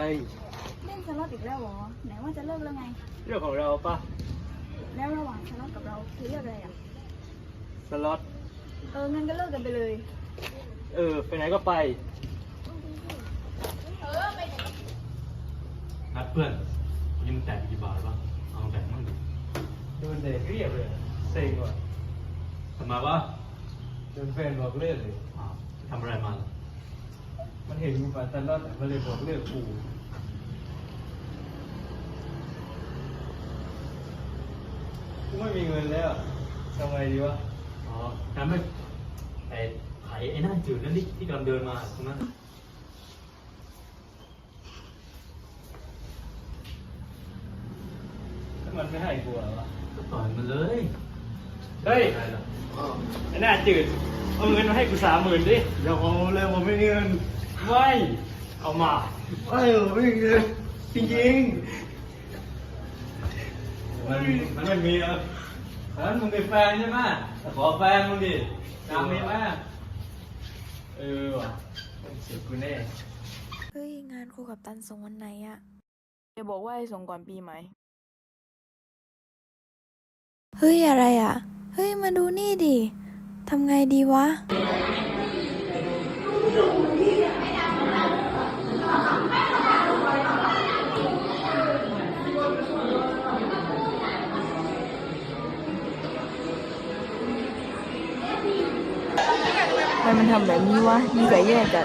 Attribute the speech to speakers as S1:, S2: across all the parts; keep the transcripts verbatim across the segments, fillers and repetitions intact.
S1: เล่นสล็อตอีกแล้วเหรอไหนว่าจะเลิกแล้วไง
S2: เรื่องของเราปะ
S1: แล้วระหว่างสล็อตกับเราคือเลือกอะไรอ่ะ
S2: สล็อต
S1: เอองั้นก็เลิกกันไปเลย
S2: เออไปไหนก็ไป
S3: นัดเพื่อนยิมแตกกี่บาทวะเอาแตกมั่งดิ
S2: โดนเด็กเรียบเลยเซ็งว่ะ
S3: ทำไมวะ
S2: โดนแฟนบอกเลิกเลย
S3: อ้าวทำอะไรมาล่ะ
S2: มันเห็นกูปั่นสล็อตมันเลยบอกเลิกกูกูไม่มีเงินแล้วทำไงดีวะ
S3: อ๋อทำไม่ไอ้ไข่ไอ้หน้าจืดนั่นดิที่กำลังเดินมาตรงนั้น
S2: มันไม่ให้กูเหรอวะ
S3: ก็ต่อยมันเลย
S2: เฮ้ยไอ้หน้าจืดเอาเงินมาให้กูสามหมื่นดิ
S4: อย่าเอาเลยผมไม่มีเงิน
S2: ไม่เอามา
S4: ไม่ผมไม่มีเงินจริง
S2: ๆมันมันไม่มีอ่ะแล้วมึงเป็นแฟนใช่ไหมขอแฟนมึงดิตามมีไหมเออว่ะเสียกูแน่
S5: เฮ้ยงานครูกับตันส่งวันไหนอะ
S1: จะบอกว่าให้ส่งก่อนปีใหม่
S5: เฮ้ยอะไรอะเฮ้ยมาดูนี่ดิทำไงดีวะ
S1: ทำไมมันทำแบบนี้วะนิสัยแย่จัด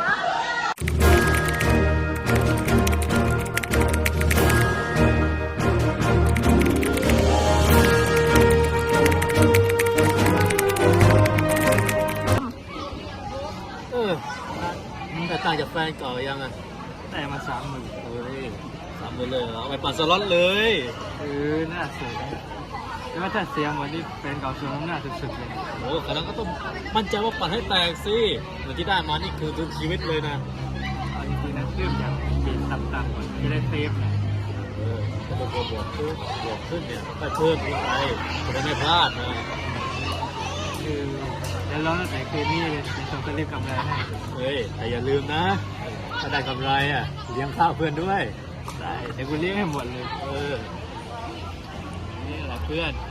S3: เออมึงแต่ต่างจากแฟนเก่ายังอ่ะ
S2: แต่มาสามหมื่น
S3: เฮ้ยสามหมื่นเลยเหรอเอาไปปั่นสล็อตเลย
S2: เออน่าเสียแต่ว่าถ้าเสียเหมือนที่แฟนเก่าชวนน้ำหน้าสุดๆเลย
S3: โอ้ขนาดก็ต้องมั่นใจว่าปั่นให้แตกสิเหมือนที่ได้มานี่คือทุนชีวิตเลยนะ
S2: เอาจริงๆนะเริ่มจากเกณฑ์ต่ำๆก่อนจะได้เซฟหน่อย
S3: เออถ้าบวกบวกขึ้นบวกขึ้นเนี่ยก็เพิ่มขึ้นไปจะได้ไม่พลาดนะ
S2: คือแล้วร้อนตั้งแต่คืนนี้เลยเป็นส่งสลิปกำไรให้
S3: เฮ้ยแต่อย่าลืมนะถ้าได้กำไรอ่ะเลี้ยงข้าวเพื่อนด้วย
S2: ได้เดี๋ยวกูเลี้ยงให้หมดเลย
S3: เออนี่แหละเพื่อน